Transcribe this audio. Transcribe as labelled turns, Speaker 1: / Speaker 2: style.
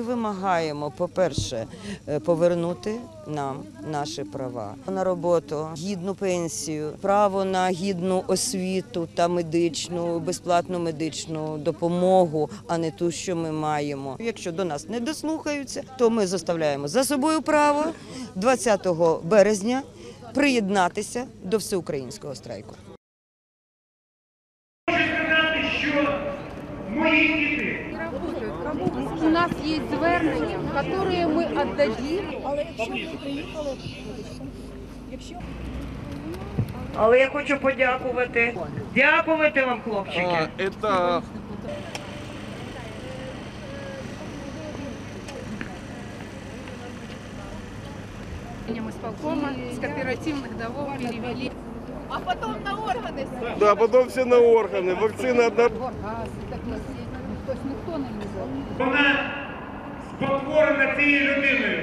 Speaker 1: Вимагаємо, по-перше, повернути нам наші права на роботу, гідну пенсію, право на гідну освіту та медичну, безплатну медичну допомогу, а не ту, що ми маємо. Якщо до нас не дослухаються, то ми заставляємо за собою право 20 березня приєднатися до всеукраїнського страйку.
Speaker 2: Хочу сказати, що мої діти
Speaker 3: у нас есть звернення, которые мы отдадим.
Speaker 1: Але я хочу подякувати. Дякувати вам, хлопчики.
Speaker 4: Это
Speaker 3: Исполкома с кооперативных домов перевели.
Speaker 5: А потом на органы.
Speaker 4: да, потом все на органы. Вакцина одна.
Speaker 3: Тобто ніхто не взяв.
Speaker 2: вона спотворена цією людиною.